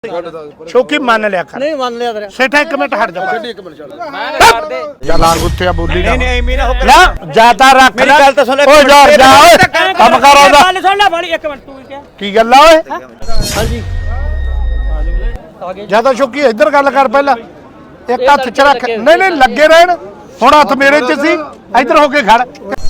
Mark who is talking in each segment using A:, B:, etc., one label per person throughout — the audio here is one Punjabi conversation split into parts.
A: शौकी मान लिया कर
B: नहीं मान लिया तेरा
A: सेठा एक मिनट हट जा
C: ਛੱਡ ਇੱਕ ਮਿੰਟ ਛੱਡ
A: चल आग उत्ते आ बोली
B: नहीं नहीं मीना हो
A: ना जाता रख
B: मेरी गल तो सुन ले
A: ओ जा जा ओए काम कर आउंदा
B: गल सुन ले बड़ी एक मिनट तू क्या
A: की गल आ ओए
B: हां जी आगे
A: ज्यादा शौकी इधर गल कर पहला एक हाथ च रख नहीं नहीं लगे रहन हुण हथ मेरे च सी इधर होके खड़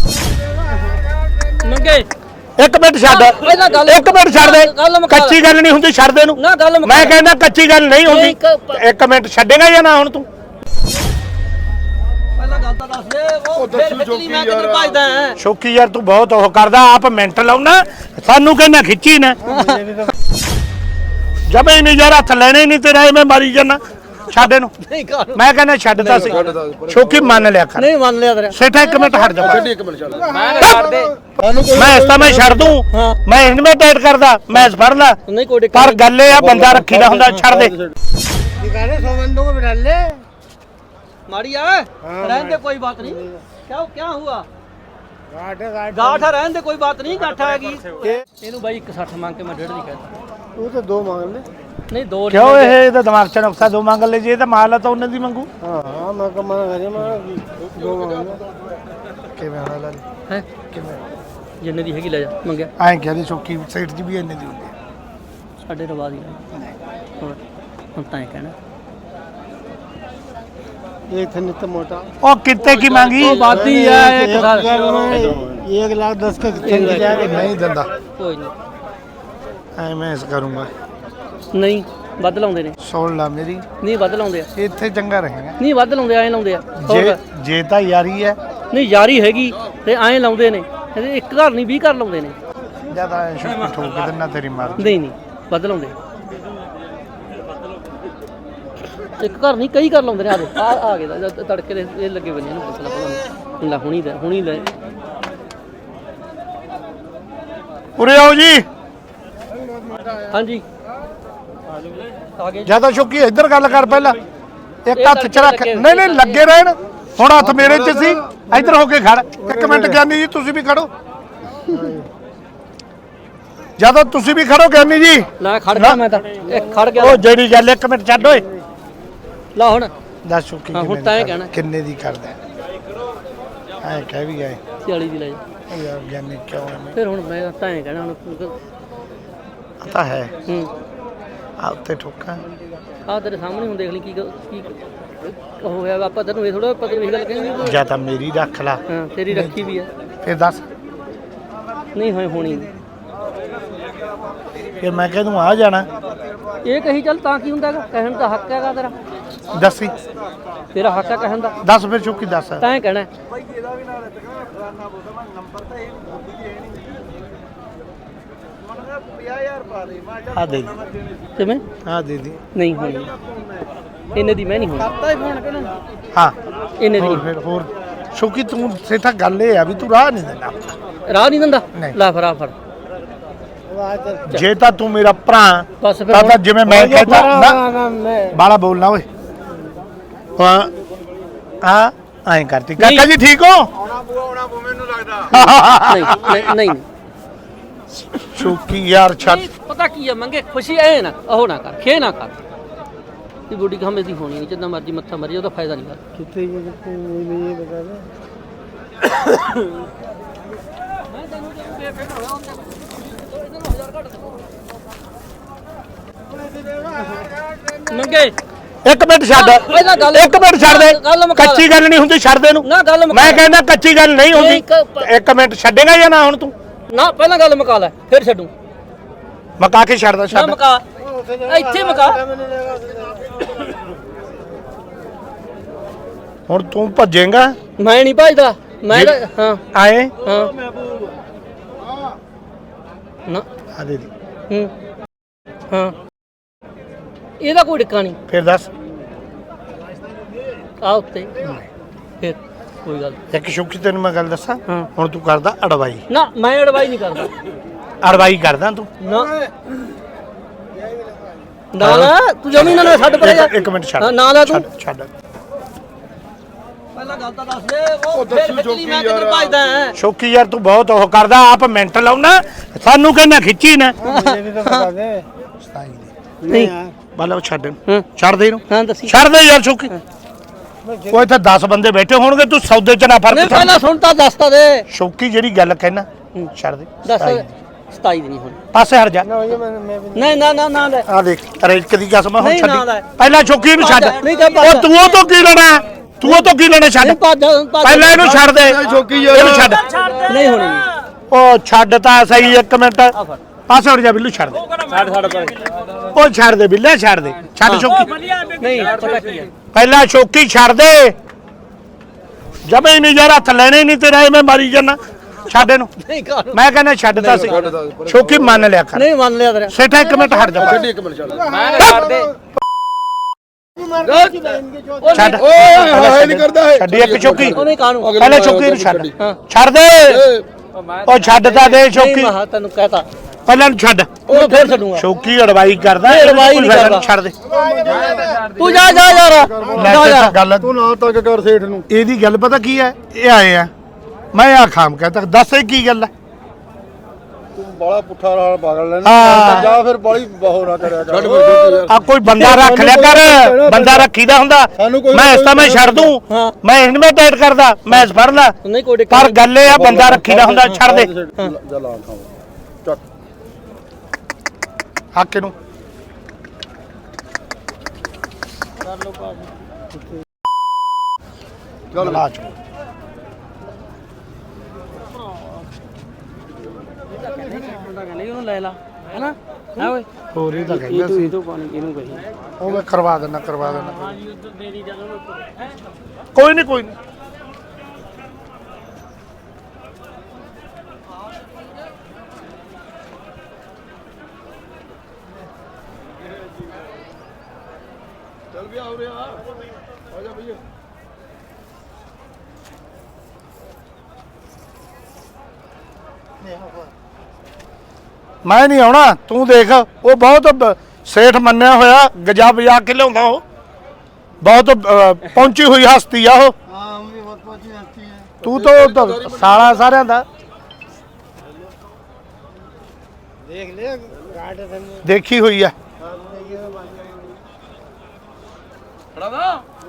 B: मंगे
A: एक मिनट छੱਡ एक मिनट छੱਡ दे ਕੱਚੀ ਗੱਲ ਨਹੀਂ ਹੁੰਦੀ ਛੱਡ ਦੇ ਨੂੰ
B: ਨਾ ਗੱਲ
A: ਮੈਂ ਕਹਿੰਦਾ ਕੱਚੀ ਗੱਲ ਨਹੀਂ ਹੁੰਦੀ ਇੱਕ ਮਿੰਟ ਛੱਡੇਗਾ ਜਾਂ ਨਾ ਹੁਣ ਤੂੰ
B: ਪਹਿਲਾਂ ਗੱਲ ਤਾਂ ਦੱਸ ਦੇ ਉਹ ਫੇਰ ਖਿੱਚਲੀ ਮੈਂ ਕਿੱਧਰ ਭਜਦਾ ਹੈ
A: ਸ਼ੌਕੀ ਯਾਰ ਤੂੰ ਬਹੁਤ ਉਹ ਕਰਦਾ ਆਪ ਮਿੰਟ ਲਾਉਣਾ ਸਾਨੂੰ ਕਹਿੰਦਾ ਖਿੱਚੀ ਨਾ ਜਬੇ ਨਹੀਂ ਯਾਰ ਹੱਥ ਲੈਣੇ ਨਹੀਂ ਤੇਰਾ ਮੈਂ ਮਾਰੀ ਜਾਣਾ ਛੱਡ ਇਹਨੂੰ
B: ਨਹੀਂ ਕਰ
A: ਮੈਂ ਕਹਿੰਦਾ ਛੱਡਦਾ ਸੀ ਸ਼ੌਕੀ ਮੰਨ ਲਿਆ ਕਰ
B: ਨਹੀਂ ਮੰਨ ਲਿਆ ਤੇਰਾ
A: ਸੇਠਾ ਇੱਕ ਮਿੰਟ ਹਟ ਜਾ
C: ਛੱਡ ਇੱਕ ਮਿੰਟ ਛੱਡ
B: ਮੈਂ ਕਰ ਦੇ
A: ਮੈਂ ਇਸ ਤਾਂ ਮੈਂ ਛੱਡ ਦੂੰ ਮੈਂ ਇਨਵੇਂ ਟਾਈਟ ਕਰਦਾ ਮੈਚ ਫੜ ਲਾ
B: ਨਹੀਂ ਕੋਈ
A: ਪਰ ਗੱਲ ਇਹ ਆ ਬੰਦਾ ਰੱਖੀਦਾ ਹੁੰਦਾ ਛੱਡ ਦੇ
B: दिखाने 100 बंदों को बिठा ले मारी आए रहने दे कोई बात नहीं क्या हुआ गाठ है रहने दे कोई बात नहीं गाठ आएगी ਇਹਨੂੰ ਬਾਈ 160 ਮੰਗ ਕੇ ਮੈਂ 1.5 ਦੀ ਕਹਿਤਾ
C: ਤੂੰ ਤਾਂ ਦੋ ਮੰਗ ਲੈ
B: ਨਹੀਂ ਦੋ
A: ਕਿਉਂ ਇਹ ਇਹਦਾ ਦਿਮਾਗ ਚ ਨੁਕਸਾ ਦੋ ਮੰਗ ਲੈ ਜੇ ਇਹ ਤਾਂ ਮਾਲ ਆ ਤਾਂ ਉਹਨੇ ਦੀ ਮੰਗੂ
C: ਹਾਂ ਮੈਂ ਕਮਾਂ ਕਰੇ ਮੈਂ ਦੋ ਮੰਗ
A: ਕਿਵੇਂ ਹਾਲ
B: ਹੈ
A: ਕਿਵੇਂ
B: ਜਿੰਨੇ ਦੀ ਹੈਗੀ ਲੈ ਜਾ ਮੰਗਿਆ
A: ਐਂ ਕਹਿੰਦੇ ਸ਼ੌਕੀ ਸਾਈਡ 'ਚ ਵੀ ਇੰਨੇ ਦੀ ਹੁੰਦੀ ਆ
B: ਸਾਡੇ ਰਵਾ ਦੀ ਹੋਰ ਹੁਣ ਤਾਂ ਇਹ ਕਹਿਣਾ
C: ਇਹ ਥਨ ਤੇ ਮੋਟਾ
A: ਉਹ ਕਿੱਤੇ ਕੀ ਮੰਗੀ
B: ਉਹ ਬਾਦੀ ਹੈ ਇੱਕ ਸਾਲ
C: 1 ਲੱਖ 10 का कितने जाएगा
A: ਨਹੀਂ ਦਿੰਦਾ
B: ਕੋਈ ਨਹੀਂ
A: ਐ ਮੈਂ ਇਸ ਕਰੂੰਗਾ
B: ਨਹੀਂ ਵੱਧ ਲਾਉਂਦੇ ਨੇ
A: ਸੁਣ ਲਾ ਮੇਰੀ
B: ਨਹੀਂ ਵੱਧ ਲਾਉਂਦੇ ਆ
A: ਇੱਥੇ ਚੰਗਾ ਰਹੇਗਾ
B: ਨਹੀਂ ਵੱਧ ਲਾਉਂਦੇ ਐਂ ਲਾਉਂਦੇ ਆ
A: ਜੇ ਜੇ ਤਾਂ ਯਾਰੀ ਹੈ
B: ਨਹੀਂ ਯਾਰੀ ਹੈਗੀ ਤੇ ਐਂ ਲਾਉਂਦੇ ਨੇ ਇਹਦੇ ਇੱਕ ਘਰ ਨਹੀਂ 20 ਘਰ ਲਾਉਂਦੇ ਨੇ
A: ਜਿਆਦਾ ਸ਼ੌਕੀ ਠੋਕ ਕੇ ਦਿੰਨਾ ਤੇਰੀ ਮਾਰ
B: ਨਹੀਂ ਨਹੀਂ ਵੱਧ ਲਾਉਂਦੇ ਇੱਕ ਘਰ ਨਹੀਂ ਕਈ ਘਰ ਲਾਉਂਦੇ ਨੇ ਆ ਗਏ ਦਾ ਤੜਕੇ ਦੇ ਇਹ ਲੱਗੇ ਬੰਨੇ ਨੂੰ ਪੁੱਛ ਲਾ ਭਲਾ ਲੈ ਹੁਣੀ ਲੈ
A: ਉਰੇ ਆਓ ਜੀ
B: ਹਾਂਜੀ ਆ ਗਏ
A: ਜਿਆਦਾ ਸ਼ੌਕੀ ਇੱਧਰ ਗੱਲ ਕਰ ਪਹਿਲਾਂ ਇੱਕ ਹੱਥ ਚ ਰੱਖ ਨਹੀਂ ਨਹੀਂ ਲੱਗੇ ਰਹਿਣ ਹੁਣ ਹੱਥ ਮੇਰੇ ਚ ਸੀ ਇੱਧਰ ਹੋ ਕੇ ਖੜ ਇੱਕ ਮਿੰਟ ਗਿਆਨੀ ਜੀ ਤੁਸੀਂ ਵੀ ਖੜੋ ਜਿਆਦਾ ਤੁਸੀਂ ਵੀ ਖੜੋ ਗਿਆਨੀ ਜੀ
B: ਲੈ ਖੜ ਗਿਆ ਮੈਂ ਤਾਂ ਇੱਕ ਖੜ ਗਿਆ
A: ਉਹ ਜਿਹੜੀ ਗੱਲ ਇੱਕ ਮਿੰਟ ਛੱਡ ਓਏ
B: ਲਾ ਹੁਣ
A: ਦੱਸ ਸ਼ੌਕੀ
B: ਹਾਂ, ਹੁਣ ਤਾਂ ਇਹ ਕਹਿਣਾ।
A: ਕਿੰਨੇ ਦੀ ਕਰਦਾ ਐ ਕਹਿ ਵੀ ਗਏ
B: 40 ਦੀ ਲੈ ਜਾ
A: ਉਹ ਯਾਰ ਗਿਆਨੀ ਕਿਉਂ ਐਵੇਂ
B: ਫਿਰ ਹੁਣ ਮੈਂ ਤਾਂ ਐਂ ਕਹਿਣਾ ਹੁਣ
A: ਪਤਾ ਹੈ
B: ਹੂੰ
A: ਆ ਉੱਤੇ ਠੋਕਾਂ
B: ਆ ਤੇਰੇ ਸਾਹਮਣੇ ਹੁਣ ਦੇਖ ਲਈ ਕੀ ਹੋਇਆ ਆਪਾਂ ਤੈਨੂੰ ਇਹ ਥੋੜਾ ਪਤਾ ਨਹੀਂ ਗੱਲ ਕਹਿੰਦੇ
A: ਜਾਂ ਤਾਂ ਮੇਰੀ ਰੱਖ ਲਾ
B: ਹਾਂ ਤੇਰੀ ਰੱਖੀ ਵੀ ਆ
A: ਫਿਰ ਦੱਸ
B: ਨਹੀਂ ਹੋਣੀ
A: ਫਿਰ ਮੈਂ ਕਹਿ ਦੂੰ ਆ ਜਾਣਾ
B: ਇਹ ਕਹੀ ਚੱਲ ਤਾਂ ਕੀ ਹੁੰਦਾ ਹੈਗਾ ਕਹਿਣ ਦਾ ਹੱਕ ਹੈਗਾ ਤੇਰਾ
A: ਦੱਸੀ
B: ਤੇਰਾ ਹੱਕ ਹੈ ਕਹਿਣ ਦਾ
A: ਦੱਸ ਫਿਰ ਸ਼ੌਕੀ ਦੱਸ
B: ਤਾਂ ਇਹ ਕਹਿਣਾ
A: ਆ ਦੇ ਦੀ
B: ਕਿਵੇਂ
A: ਆ ਦੇ ਦੀ
B: ਨਹੀਂ ਹੋਣੀ ਇਹਨੇ ਦੀ ਮੈਂ ਨਹੀਂ ਹੋਣੀ
A: ਹਾਂ
B: ਇਹਨੇ ਦੀ
A: ਹੋਰ ਫਿਰ ਹੋਰ ਸ਼ੌਕੀ ਤੂੰ ਸੇਠਾ ਗੱਲ ਇਹ ਆ ਵੀ ਤੂੰ ਰਾਹ ਨਹੀਂ ਦੇਣਾ
B: ਰਾਹ ਨਹੀਂ ਦਿੰਦਾ
A: ਨਹੀਂ।
B: ਲੈ ਫੜਾ ਫੜ
A: ਜੇ ਤਾਂ ਤੂੰ ਮੇਰਾ ਭਰਾ
B: ਬਸ ਫਿਰ
A: ਤਾਂ
B: ਹੁਣ-
A: ਜਿਵੇਂ ਮੈਂ ਕਹਿੰਦਾ ਨਾ
C: मैं
A: ਬਾਲਾ ਬੋਲਣਾ ਓਏ ਹਾਂ ਹਾਂ ਐਂ ਕਰਤੀ ਕਾਕਾ
B: ਨਹੀਂ।
A: ਜੀ ਠੀਕ ਹੋ
B: ਨਹੀਂ ਨਹੀਂ
A: ਸ਼ੌਕੀ ਯਾਰ ਛੱਡ
B: ਨਹੀਂ, ਪਤਾ ਕੀ ਆ ਮੰਗੇ ਖੁਸ਼ੀ ਐ ਨਾ ਉਹ ਨਾ ਕਰ ਖੇ ਨਾ ਕਰ ਇਹ ਬੋਡੀ ਹਮੇ ਦੀ ਹੋਣੀ ਨਹੀਂ ਜਿੰਨਾ ਮਰਜੀ ਮੱਥਾ ਮਰੀ ਉਹਦਾ ਫਾਇਦਾ ਨਹੀਂ ਕਰ
C: कितने ये बता दे
B: ਮੰਗੇ
A: ਇੱਕ ਮਿੰਟ ਛੱਡ
B: ਪਹਿਲਾਂ ਗੱਲ
A: ਇੱਕ ਮਿੰਟ ਛੱਡ ਦੇ
B: ਗੱਲ ਮੁਕਾ
A: ਕੱਚੀ ਗੱਲ ਨਹੀਂ ਹੁੰਦੀ ਛੱਡ ਦੇ ਨੂੰ
B: ਨਾ ਗੱਲ ਮੁਕਾ
A: ਮੈਂ ਕਹਿੰਦਾ ਕੱਚੀ ਗੱਲ ਨਹੀਂ ਹੁੰਦੀ ਇੱਕ ਮਿੰਟ ਛੱਡੇਗਾ ਜਾਂ ਨਾ ਹੁਣ ਤੂੰ
B: ਨਾ ਪਹਿਲਾਂ ਗੱਲ ਮੁਕਾ ਲੈ ਫਿਰ ਛੱਡੂ
A: ਮਕਾ ਕੇ ਛੱਡਦਾ
B: ਨਾ
A: ਛੱਡ
B: ਮੁਕਾ ਇੱਥੇ ਮੁਕਾ
A: ਹੁਣ ਤੂੰ ਭੱਜੇਗਾ
B: ਮੈਂ ਨਹੀਂ ਭਜਦਾ ਮੈਂ ਤਾਂ- ਹਾਂ
A: ਆਏ
B: ਹਾਂ ਨਾ
A: ਆ ਦੇ ਦੀ
B: ਹੂੰ ਹਾਂ ਇਹਦਾ ਕੋਈ ਟਿੱਕਾ ਨਹੀਂ
A: ਫਿਰ ਦੱਸ
B: ਆ ਉੱਤੇ ਫਿਰ ਕੋਈ ਗੱਲ
A: ਇੱਕ ਸ਼ੌਕੀ ਤੈਨੂੰ ਮੈਂ ਗੱਲ ਦੱਸਾਂ
B: ਹਾਂ।
A: ਹੁਣ ਤੂੰ ਕਰਦਾ ਅੜਵਾਈ
B: ਨਾ ਮੈਂ ਅਡਵਾਈ ਨਹੀਂ ਕਰਦਾ
A: ਅੜਵਾਈ ਕਰਦਾ ਤੂੰ
B: ਨਾ ਨਾ ਤੂੰ ਜਮੀ ਨਾ ਛੱਡ ਪਰੇ ਜਾ
A: ਇੱਕ ਮਿੰਟ ਛੱਡ
B: ਹਾਂ, ਨਾ ਲੈ ਤੂੰ
A: ਛੱਡ
B: ਪਹਿਲਾਂ ਗੱਲ ਤਾਂ ਦੱਸ ਦੇ ਉਹ ਫੇਰ ਖਿੱਚਲੀ ਮੈਂ ਕਿੱਧਰ ਭਜਦਾ ਹੈ
A: ਸ਼ੌਕੀ ਯਾਰ ਤੂੰ ਬਹੁਤ ਉਹ ਕਰਦਾ ਆਪ ਮਿੰਟ ਲਾਉਣਾ ਸਾਨੂੰ ਕਹਿੰਦਾ ਖਿੱਚੀ ਨਾ
C: मुझे भी तो बता दे
B: ਨਹੀਂ
C: यार
A: ਬਾਲਾ ਛੱਡ
B: ਹਾਂ
A: ਛੱਡ ਦੇ ਇਹਨੂੰ
B: ਹਾਂ ਦੱਸੀ
A: ਛੱਡ ਦੇ ਯਾਰ ਸ਼ੌਕੀ ਉਹ ਇੱਥੇ 10 ਬੰਦੇ ਬੈਠੇ ਹੋਣਗੇ ਤੂੰ ਸੌਦੇ ਚ ਨਾ
B: ਨਹੀਂ
A: ਫਰਕ
B: ਪਹਿਲਾਂ ਸੁਣ ਤਾਂ ਦੱਸ ਤਾਂ ਦੇ
A: ਸ਼ੌਕੀ ਜਿਹੜੀ ਗੱਲ ਕਹਿਣਾ ਛੱਡ ਦੇ
B: ਦੱਸ 27 ਦੀ ਨਹੀਂ ਹੁਣ
A: ਪਾਸੇ ਹਟ ਜਾ
C: ना ये मैं भी
B: ਨਹੀਂ ਨਾ ਲੈ
A: ਆ ਦੇਖ ਰੇਕ ਦੀ ਕਸਮ ਹੁਣ
B: ਨਹੀਂ, ਨਾ ਲੈ।
A: ਛੱਡੀ ਪਹਿਲਾਂ ਸ਼ੌਕੀ ਨੂੰ ਛੱਡ
B: ਨਹੀਂ ਤਾਂ
A: ਉਹ ਤੂੰ ਉਹ ਤੋਂ ਕੀ ਲੈਣਾ ਤੂੰ ਉਹ ਤੋਂ ਕੀ ਲੈਣਾ ਛੱਡ
B: ਨਹੀਂ ਭੱਜ
A: ਪਹਿਲਾਂ ਇਹਨੂੰ ਛੱਡ ਦੇ ਇਹਨੂੰ ਛੱਡ
B: ਨਹੀਂ ਹੋਣੀ ਨਹੀਂ
A: ਉਹ ਛੱਡ ਤਾਂ ਸਹੀ 1 ਮਿੰਟ
B: ਆ ਫੜ
A: ਪਾਸੇ ਹਟ ਜਾ ਬਿੱਲੂ ਛੱਡ ਦੇ
B: ਛੱਡ ਪਰ
A: ਉਹ ਛੱਡ ਦੇ ਬਿੱਲੇ ਛੱਡ ਦੇ ਛੱਡ ਸ਼ੌਕੀ
B: ਨਹੀਂ ਪਤਾ ਕੀ ਹੈ
A: ਪਹਿਲਾਂ ਸ਼ੌਕੀ ਛੱਡ ਦੇ ਜਮੇ ਨਹੀਂ ਯਾਰ ਹੱਥ ਲੈਣੇ ਨਹੀਂ ਤੇਰਾ ਮੈਂ ਮਾਰੀ ਜਾਣਾ ਛੱਡ ਇਹਨੂੰ
B: ਨਹੀਂ ਕਰ
A: ਮੈਂ ਕਹਿੰਦਾ ਛੱਡਤਾ ਸੀ ਸ਼ੌਕੀ ਮੰਨ ਲਿਆ ਕਰ
B: ਨਹੀਂ ਮੰਨ ਲਿਆ ਤੇਰਾ
A: ਸੇਠਾ 1 ਮਿੰਟ ਹਟ ਜਾ
B: ਮੈਂ ਛੱਡ ਦੇ
A: ਛੱਡ
C: ਓਏ ਨਹੀਂ ਕਰਦਾ ਹੈ
A: ਛੱਡੀ ਇੱਕ ਸ਼ੌਕੀ
B: ਉਹ ਨਹੀਂ ਕਾਨੂੰ
A: ਪਹਿਲਾਂ ਸ਼ੌਕੀ ਨੂੰ ਛੱਡ ਛੱਡ ਦੇ ਉਹ ਛੱਡਤਾ ਦੇ ਸ਼ੌਕੀ
B: ਮਹਾ ਤੈਨੂੰ ਕਹਤਾ
A: ਪਹਿਲਾਂ ਨੂੰ ਛੱਡ
B: ਉਹ ਫੇਰ ਛੱਡੂਗਾ
A: ਸ਼ੌਕੀ ਅੜਵਾਈ ਕਰਦਾ
B: ਅੜਵਾਈ ਨਹੀਂ ਕਰਦਾ।
A: ਛੱਡ ਦੇ
B: ਤੂੰ ਜਾ ਯਾਰ
A: ਲੈ
B: ਜਾ
A: ਤੇ
B: ਜਾ
A: ਗੱਲ
C: ਤੂੰ ਨਾ ਤੱਕ ਕਰ ਸੇਠ ਨੂੰ
A: ਇਹਦੀ ਗੱਲ ਪਤਾ ਕੀ ਹੈ ਇਹ ਆਏ ਆ ਮੈਂ ਆ ਖਾਮ ਕਹਤਾ ਦੱਸ ਇਹ ਕੀ ਗੱਲ ਹੈ
C: ਤੂੰ ਬਾਲਾ ਪੁੱਠਾ ਰਾਲ ਪਾਗਲ ਲੈਣਾ
A: ਹਾਂ।
C: ਜਾਂ ਫਿਰ ਬਾਲੀ ਬਹੁ ਨਾ ਕਰਿਆ ਕਰ
A: ਆ ਕੋਈ ਬੰਦਾ ਰੱਖ ਲਿਆ ਕਰ ਬੰਦਾ ਰੱਖੀਦਾ ਹੁੰਦਾ
C: ਸਾਨੂੰ ਕੋਈ-
A: ਮੈਂ ਇਸ ਤਾਂ ਮੈਂ ਛੱਡ ਦੂੰ
B: ਹਾਂ।
A: ਮੈਂ ਇਹਨੂੰ ਟਾਈਟ ਕਰਦਾ ਮੈਂ ਇਸ ਫੜ ਲਾ
B: ਨਹੀਂ ਕੋਈ
A: ਪਰ ਗੱਲ ਇਹ ਆ ਬੰਦਾ ਰੱਖੀਦਾ ਹੁੰਦਾ ਛੱਡ ਦੇ
C: ਜਾ ਲਾ ਖਾਓ ਚੱਕ
A: ਹੱਕ ਇਹਨੂੰ
C: ਚੱਲ
A: ਲਾ ਚੋ
B: ਨਹੀਂ ਉਹਨੂੰ ਲੈ ਲਾ ਹੈਨਾ ਹੈ ਓਏ
A: ਹੋਰ ਇਹ ਤਾਂ ਕਹਿੰਦਾ ਸੀ
B: ਤੂੰ ਪਾਣੀ ਇਹਨੂੰ ਕਹੀ
A: ਉਹ ਮੈਂ ਕਰਵਾ ਦੇਣਾ ਕੋਈ ਨਹੀਂ ਕੋਈ ਨਹੀਂ
C: ਚੱਲ ਵੀ ਆ ਰਿਹਾ ਆ ਜਾ ਭਈਆ
A: ਮੈਂ ਨਹੀਂ ਆਉਣਾ ਤੂੰ ਦੇਖ ਉਹ ਬਹੁਤ ਸੇਠ ਮੰਨਿਆ ਹੋਇਆ ਗਜਾ ਬਜਾ ਕੇ ਲਿਆਉਂਦਾ ਉਹ ਬਹੁਤ ਪਹੁੰਚੀ ਹੋਈ ਹਸਤੀ ਆ ਉਹ
C: ਹਾਂ ਮੁਝੇ ਬਹੁਤ ਪਹੁੰਚੀ ਹਸਤੀ ਹੈ
A: ਤੂੰ ਤਾਂ ਸਾਲਾ ਸਾਰਿਆਂ ਦਾ
C: देख ले गार्ड धन
A: ਦੇਖੀ ਹੋਈ ਆ
B: ਖੜਾ ਵਾ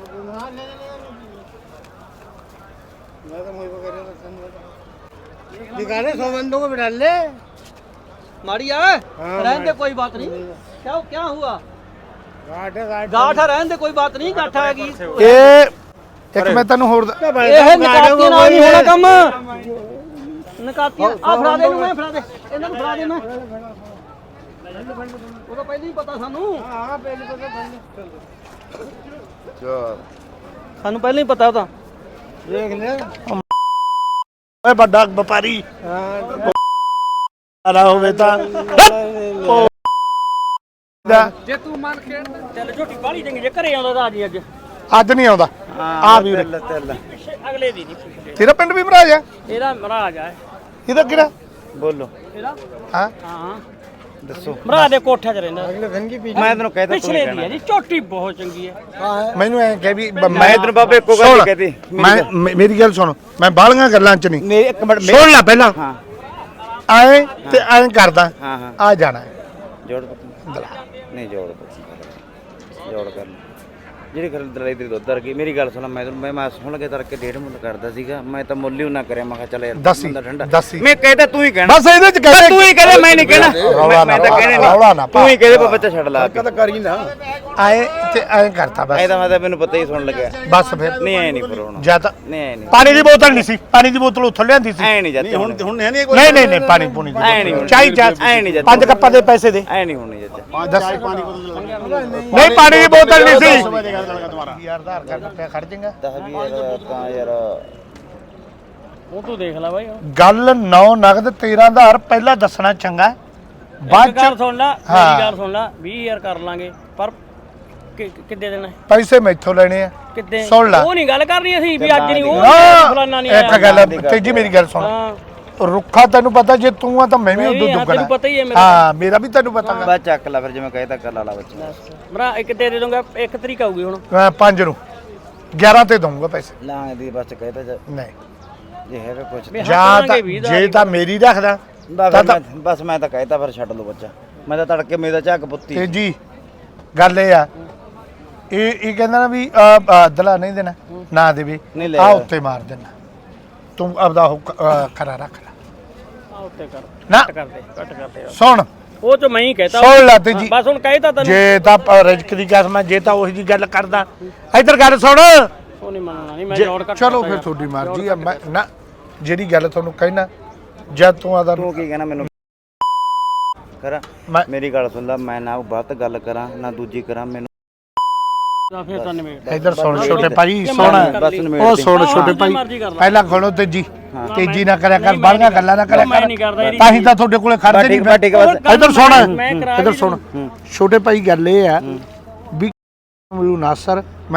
C: मैं तो मुझे कर रहा था दिखा दे 100 बंदों को बिठा ले
B: मारी आ रहने दे कोई बात नहीं क्या हुआ
C: गार्ड है गार्ड
B: गाठ है रहने दे कोई बात नहीं गाठ आएगी
A: ਇਹ ਇੱਕ ਮੈਂ ਤੈਨੂੰ ਹੋਰ
B: ਇਹ ਨਕਾਤੀਆਂ ਨਾਲ ਨਹੀਂ ਹੋਣਾ ਕੰਮ ਨਕਾਤੀਆਂ ਆ ਫੜਾ ਦੇ ਇਹਨੂੰ ਮੈਂ ਫੜਾ ਦੇ ਇਹਨਾਂ ਨੂੰ ਫੜਾ ਦੇ ਮੈਂ ਉਹ ਤਾਂ ਪਹਿਲਾਂ ਹੀ ਪਤਾ ਸਾਨੂੰ
C: हां पहले तो चल
B: ਸਾਨੂੰ ਪਹਿਲਾਂ ਹੀ ਪਤਾ ਉਹ ਤਾਂ
C: देख ले
A: ਓਏ ਵੱਡਾ ਵਪਾਰੀ
C: हां
A: ਆਲਾ ਹੋਵੇ ਤਾਂ
B: ਜੇ ਤੂੰ ਮਨ ਖੇਡ ਚੱਲ ਝੋਟੀ ਬਾਲੀ ਚੰਗੀ ਜੇ ਘਰੇ ਆਉਂਦਾ ਤਾਂ ਅੱਜ
A: ਅੱਜ ਨਹੀਂ ਆਉਂਦਾ ਆ ਵੀ ਉਰੇ।
B: ਅਗਲੇ ਦੀ ਨਹੀਂ ਪਿਛਲੇ
A: ਤੇਰਾ ਪਿੰਡ ਵੀ ਮਹਾਰਾਜ ਆ
B: ਇਹਦਾ ਮਹਾਰਾਜ ਆ
A: ਇਹਦਾ ਕਿਹੜਾ
D: ਬੋਲੋ
B: ਇਹਦਾ
A: ਹਾਂ
B: ਹਾਂ
D: ਦੱਸੋ
B: ਮਹਾਰਾਜ ਦੇ ਕੋਠੇ 'ਚ ਰਹਿੰਦਾ
C: अगले धन की पीछे
D: ਮੈਂ ਤੈਨੂੰ ਕਹਿਤਾ
B: ਪਿਛਲੇ ਦੀ ਹੈ ਜੀ ਝੋਟੀ ਬਹੁਤ ਚੰਗੀ ਹੈ
C: हां है
A: ਮੈਨੂੰ ਐ ਕਹਿ ਵੀ
D: ਮੈਂ ਤੈਨੂੰ ਬਾਬੇ ਇੱਕੋ ਗੱਲ ਹੀ ਕਹਤੀ
A: ਮੇਰੀ ਗੱਲ ਸੁਣ ਮੈਂ ਬਾਲੀਆਂ ਗੱਲਾਂ ਚ ਨਹੀਂ
D: ਮੇਰੀ ਇੱਕ ਮਿੰਟ
A: ਸੁਣ ਲੈ ਪਹਿਲਾਂ
D: ਹਾਂ
A: ਆਏ ਤੇ ਐਂ ਕਰਦਾ
D: ਹਾਂ ਹਾਂ
A: ਆ ਜਾਣਾ ਹੈ।
D: ਜੋੜ ਪੁੱਤ ਨਹੀਂ ਜੋੜ ਪੁੱਤ ਜੋੜ ਕਰ ਲੈ। ਜਿਹੜੀ ਗੱਲ ਦਲਾਈ ਤੇਰੀ ਦੁੱਧ ਵਰਗੀ ਮੇਰੀ ਗੱਲ ਸੁਣ ਮੈਂ ਸੁਣ ਕੇ ਤੜਕੇ 1.5 ਮੁੱਲ ਕਰਦਾ ਸੀਗਾ ਮੈਂ ਤਾਂ ਮੁੱਲ ਹੀ ਨਾ ਕਰਿਆ ਮੈਂ ਕਿਹਾ ਚੱਲ ਯਾਰ
A: ਦੱਸੀ,
D: ਬੰਦਾ ਠੰਡਾ
A: ਦੱਸੀ।
D: ਮੈਂ ਕਹਿਤਾ ਤੂੰ ਹੀ ਕਹਿਣਾ
A: ਬਸ ਇਹਦੇ ਚ ਕਹਿ
D: ਤੂੰ ਹੀ ਕਹਦੇ ਮੈਂ ਨਹੀਂ ਕਹਿਣਾ
A: ਰੌਲਾ
D: ਮੈਂ
A: ਨਾ
D: ਤਾਂ ਕਹਿਣੇ
A: ਰੌਲਾ ਨਾ
D: ਨਹੀਂ ਤੂੰ ਹੀ ਕਹਦੇ ਬੱਚਾ ਛੱਡ ਲਾ ਕੇ
C: कर ही ना
A: ਆਏ ਤੇ ਐਂ ਕਰਤਾ ਬਸ
D: ਐ ਤਾਂ ਮੈਂ ਤਾਂ ਮੈਨੂੰ ਪਤਾ ਹੀ ਸੁਣ ਲੱਗਿਆ
A: ਬਸ ਫਿਰ
D: ਨਹੀਂ ਐ ਨਹੀਂ ਪਰ ਹੁਣ
A: ਜਾਂ ਤਾਂ
D: ਨਹੀਂ ਐ ਨਹੀਂ
A: ਪਾਣੀ ਦੀ ਬੋਤਲ ਨਹੀਂ ਸੀ ਪਾਣੀ ਦੀ ਬੋਤਲ ਉੱਥੋਂ ਲਿਆਂਦੀ ਸੀ
D: ਐ ਨਹੀਂ ਜਾਂਦੇ ਹੁਣ
C: ਹੁਣ है नहीं
A: ਨਹੀਂ ਨਹੀਂ ਪਾਣੀ ਪੂਣੀ
D: ਐ ਨਹੀਂ ਹੋਣੀ।
A: ਚਾਹੀ
D: ਐ ਨਹੀਂ ਜਾਂਦੇ
A: 5 ਕੱਪਾਂ ਦੇ ਪੈਸੇ ਦੇ
D: ਐ ਨਹੀਂ ਹੋਣੀ ਜਾਂਦੇ
A: ਦੱਸ ਨਹੀਂ ਪਾਣੀ ਦੀ ਬੋਤਲ ਨਹੀਂ ਸੀ ਯਾਰ ਆਧਾਰ ਕਾਰਡ ਤੇ ਖੜ ਜਾਏਗਾ
D: 10 20 ਤਾਂ ਯਾਰ
B: ਉਹ ਤੂੰ ਦੇਖ ਲੈ ਬਾਈ
A: ਗੱਲ 9 ਨਗਦ 13000 ਪਹਿਲਾਂ ਦੱਸਣਾ ਚੰਗਾ ਹੈ। ਬਾਅਦ
B: ਇੱਕ ਗੱਲ
A: ਚ
B: ਸੁਣ ਲੈ
A: ਹਾਂ।
B: ਮੇਰੀ ਗੱਲ ਸੁਣ ਲੈ 20000 ਕਰ ਲਾਂਗੇ ਪਰ ਕਿੱਦੇ ਦੇਣਾ ਹੈ?
A: ਪੈਸੇ ਮੈਥੋਂ ਲੈਣੇ ਆ
B: ਕਿੱਦੇ
A: ਸੁਣ ਲੈ
B: ਉਹ ਨਹੀਂ ਗੱਲ ਕਰਨੀ ਅਸੀਂ ਵੀ ਅੱਜ ਨਹੀਂ ਉਹ ਫਲਾਨਾ ਨਹੀਂ
A: ਇੱਕ ਗੱਲ ਤੇਜੀ ਮੇਰੀ ਗੱਲ ਸੁਣ
B: ਹਾਂ
A: ਰੁੱਖਾ ਤੈਨੂੰ ਪਤਾ ਜੇ ਤੂੰ ਆ ਤਾਂ ਮੈਂ ਵੀ
B: ਮੈਂ
A: ਉਦੋਂ
B: ਵੀ ਹਾਂ,
A: ਦੁੱਗਣਾ
B: ਤੈਨੂੰ ਪਤਾ ਹੀ ਹੈ ਮੇਰਾ।
A: ਹਾਂ ਮੇਰਾ ਵੀ ਤੈਨੂੰ ਪਤਾ
D: ਬਸ ਚੱਕ ਲੈ ਫਿਰ ਜਿਵੇਂ ਕਹਿਤਾ ਕਰ ਲਾ ਬੱਚਾ
B: ਭਰਾ ਇੱਕ ਤੇ ਦੇ ਦੂੰਗਾ 1 ਤਰੀਕ ਆਊਗੀ ਹੁਣ
A: ਮੈਂ 5 ਨੂੰ 11 ਤੇ ਦਊਂਗਾ ਪੈਸੇ
D: ਲਾਂ ਦੀ ਬਸ ਕਹਿਤਾ
A: ਨਹੀਂ
D: ਜੇ ਹੈਗਾ ਕੁਝ
B: ਵੀ
A: ਜਾਂ
B: ਹੱਥ
A: ਤਾਂ
B: ਲਾਂਗੇ 20 ਦਾ
A: ਜੇ ਤਾਂ ਮੇਰੀ ਰੱਖਦਾ
D: ਬਸ ਮੈਂ ਤਾਂ ਕਹਿਤਾ ਫਿਰ ਛੱਡ ਲਓ ਬੱਚਾ ਮੈਂ ਤਾਂ ਤੜਕੇ ਮੇਰਾ ਝੱਕ ਪੁੱਤੀ
A: ਤੇਜੀ ਗੱਲ ਇਹ ਆ ਇਹ ਕਹਿੰਦਾ ਨਾ ਵੀ ਦਲਾ ਨਹੀਂ ਦੇਣਾ ਨਾ ਦੇਵੇ
D: ਨਹੀਂ ਲੈ
A: ਆ
D: ਜਾ।
A: ਉੱਤੇ ਮਾਰ ਦੇਣਾ ਤੂੰ ਆਪਦਾ ਉਹ ਖਰਾ ਰੱਖ ਲੈ
B: ਆ ਉੱਤੇ ਕਰ
A: ਨਾ
B: ਕੱਟ ਕਰ ਦੇ
A: ਸੁਣ
B: ਉਹ ਚ ਮੈਂ ਹੀ ਕਹਿਤਾ
A: ਸੁਣ ਲੈ ਤੇ ਜੀ
B: ਬਸ ਹੁਣ ਕਹਿਤਾ ਤੈਨੂੰ
A: ਜੇ ਤਾਂ ਰਿਜਕ ਦੀ ਕਸਮ ਹੈ ਜੇ ਤਾਂ ਉਹੀ ਜੀ ਗੱਲ ਕਰਦਾ ਇੱਧਰ ਗੱਲ ਸੁਣ
B: ਉਹ ਨਹੀਂ ਮੰਨਣਾ ਨਹੀਂ ਮੈਂ ਜੋੜ ਕੱਟ
A: ਚਲੋ ਫਿਰ ਤੁਹਾਡੀ ਮਰਜ਼ੀ ਆ ਮੈਂ ਨਾ ਜਿਹੜੀ ਗੱਲ ਤੁਹਾਨੂੰ ਕਹਿਣਾ ਜਦ ਤੂੰ ਆਦਾ
D: ਤੂੰ ਕੀ ਕਹਿਣਾ ਮੈਨੂੰ ਕਰਾਂ
A: ਮੈਂ
D: ਮੇਰੀ ਗੱਲ ਸੁਣ ਲੈ ਮੈਂ ਨਾ ਗਲਤ ਗੱਲ ਕਰਾਂ ਨਾ ਦੂਜੀ ਕਰਾਂ ਮੈਨੂੰ
B: ਫਿਰ ਤਾਂ ਨਿਬੇੜ
A: ਇੱਧਰ ਸੁਣ ਛੋਟੇ ਭਾਈ ਸੁਣ
D: ਬਸ ਨਿਬੇੜ
A: ਉਹ
D: ਦੇ।
A: ਸੁਣ ਛੋਟੇ ਭਾਈ
B: ਮਰਜ਼ੀ ਕਰ ਲੈ।
A: ਪਹਿਲਾਂ ਖੋਲੋ ਤੇਜੀ ਨਾ ਕਰਿਆ ਕਰ ਬਾਹਲੀਆਂ ਗੱਲਾਂ ਨਾ ਕਰਿਆ
B: ਮੈਂ
A: ਕਰ
B: ਨਹੀਂ ਕਰਦਾ ਇਹਦੀ
A: ਤਾਂ ਹੀ ਤਾਂ ਤੁਹਾਡੇ ਕੋਲੇ ਖੜਦੇ ਨਹੀਂ
D: ਬਸ ਠੀਕ ਬਸ
A: ਇੱਧਰ ਸੁਣ
B: ਮੈਂ ਕਰਾ
A: ਇੱਧਰ ਸੁਣ ਛੋਟੇ ਭਾਈ ਗੱਲ ਇਹ ਆ ਵੀ ਮੈਨੂੰ ਨਾਸਰ ਮੈਂ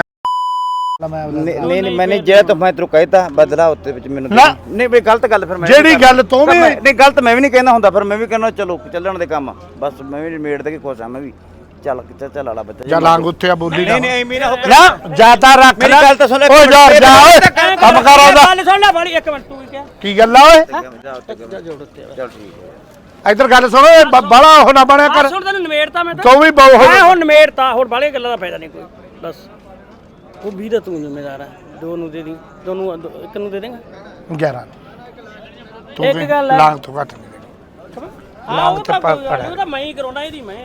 D: ਨਹੀਂ ਮੈਨੇ ਜੇ ਤਾਂ ਮੈਂ ਤੈਨੂੰ ਕਹਿਤਾ ਬਦਲਾ ਉੱਤੇ ਵਿੱਚ ਮੈਨੂੰ
A: ਨਾ।
D: ਨਹੀਂ ਬਈ ਗਲਤ ਗੱਲ ਫਿਰ ਮੈਂ
A: ਜਿਹੜੀ ਗੱਲ ਤੂੰ ਵੀ
D: ਨਹੀਂ ਗਲਤ ਮੈਂ ਵੀ ਨਹੀਂ ਕਹਿੰਦਾ ਹੁੰਦਾ ਫਿਰ ਮੈਂ ਵੀ ਕਹਿੰਦਾ ਚਲੋ ਚੱਲਣ ਦੇ ਕੰਮ ਬਸ ਮੈਂ ਵੀ ਮੇੜ ਦੇ ਕੇ ਖੁਸ਼ ਆ ਮੈਂ ਵੀ ਚੱਲ ਆਲਾ ਬੱਚਾ
A: ਜਾ ਲਾਂਗ ਉੱਥੇ ਆ ਬੋਲੀ
D: ਨਹੀਂ ਨਹੀਂ ਮੇਰਾ ਹੋ
A: ਨਾ ਜਾਤਾ ਰੱਖ
D: ਮੇਰੀ
A: ਲੈ
D: ਗੱਲ ਤਾਂ ਸੁਣ ਲੈ,
A: ਓ ਜਾ ਜਾ ਓਏ ਕੰਮ ਕਰ ਆਉਂਦਾ
B: ਗੱਲ ਸੁਣ ਲੈ ਬੜੀ ਇੱਕ ਮਿੰਟ ਤੂੰ ਕੀ
A: ਕੀ ਗੱਲ ਆ ਓਏ
D: ਚੱਲ ਠੀਕ ਹੈ
A: ਇੱਧਰ ਗੱਲ ਸੁਣ ਓਏ ਬਾਲਾ ਉਹ ਨਾ ਬਣਿਆ ਕਰ
B: ਸੁਣ ਤੈਨੂੰ ਨਿਬੇੜਤਾ ਮੈਂ ਤਾਂ
A: ਤੂੰ ਵੀ ਬਹੁ
B: ਮੈਂ ਹੁਣ ਨਿਬੇੜਤਾ ਹੋਰ ਬਾਲੇ ਗੱਲਾਂ ਦਾ ਫਾਇਦਾ ਨਹੀਂ ਕੋਈ ਬਸ ਉਹ 20 ਦਾ ਤੂੰ ਜ਼ਿੰਮੇਦਾਰ ਹੈ ਦੋ ਨੂੰ ਦੇ ਦੀ ਦੋਨੂੰ ਇੱਕ ਨੂੰ ਦੇ ਦੇਂਗਾ
A: 11 ਤੂੰ
B: ਇੱਕ ਗੱਲ ਆ।
A: ਲਾਂਗ ਤੋਂ ਘੱਟ ਨਹੀਂ ਦੇਣੀ।
B: ਹਾਂ ਉਹ
A: ਤੇ
B: ਤਾਂ
A: ਪਾ-
B: ਕੋਈ ਗੱਲ ਨੀ, ਉਹ ਤਾਂ ਮੈਂ ਹੀ ਕਰਾਉਣਾ ਇਹਦੀ ਮੈਂ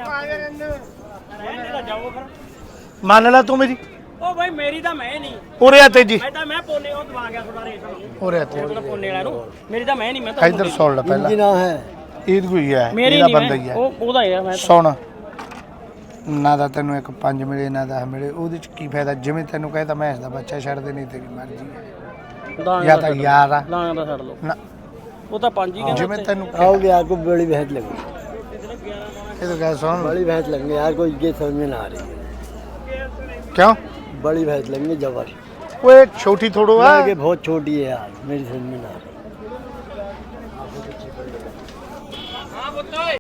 B: ਰਹਿਣ ਦੇ ਜਾਓ ਫਿਰ
A: ਮੰਨ ਲੈ ਤੂੰ ਮੇਰੀ
B: ਉਹ ਭਾਈ ਮੇਰੀ ਤਾਂ ਮੈਂ ਨਹੀਂ
A: ਉਰੇ ਆ ਤੇਜੀ
B: ਮੈਂ ਪੋਨੇ ਉਹ ਦਵਾ ਗਿਆ ਥੋੜਾ ਰੇਟ
A: ਉਰੇ ਆ ਤੇ
B: ਪੋਨੇ ਵਾਲਾ ਨੂੰ ਮੇਰੀ ਤਾਂ ਮੈਂ ਨਹੀਂ ਮੈਂ ਤਾਂ
A: ਇੱਧਰ ਸੁਣ ਲੈ ਪਹਿਲਾਂ
C: ना है
A: ਇਹ ਕੋਈ ਹੈ
B: ਮੇਰੀ
A: ਇਹਦਾ
B: ਨਹੀਂ
A: ਬੰਦਾ ਹੀ ਹੈ
B: ਉਹ ਉਹਦਾ ਹੀ ਆ ਮੈਂ
A: ਸੁਣ ਨਾ ਦਾ ਤੈਨੂੰ ਇੱਕ 5 ਮਿਲੇ ਨਾ 10 ਮਿਲੇ ਉਹਦੇ ਚ ਕੀ ਫਾਇਦਾ ਜਿਵੇਂ ਤੈਨੂੰ ਕਹਿੰਦਾ ਮੈਂ ਇਸ ਦਾ ਬੱਚਾ ਛੱਡਦੇ ਨਹੀਂ ਤੇਰੀ ਮਰਜ਼ੀ ਹੈ
B: ਤਾਂ
A: ਜਾਂ ਤਾਂ ਯਾਰ ਆ
B: ਲਾਂ ਦਾ ਛੱਡ ਲਓ
A: ਨਾ
B: ਉਹ ਤਾਂ ਪੰਜ ਹੀ ਕਹਿੰਦਾ
A: ਜਿਵੇਂ ਤੈਨੂੰ
C: आओगे आपको बड़ी भैंस लगेगी
A: ਇਹ ਤਾਂ ਗੱਲ ਸੁਣ
C: बड़ी भैंस लगेंगे यार कोई ये समझ में ना आ रही है
A: ਕਿਉਂ
C: बड़ी भैंस लगेंगे जबर
A: ਓਏ ਛੋਟੀ ਥੋੜੋ ਆ
C: आगे बहुत छोटी है यार मेरी समझ में ना आ रही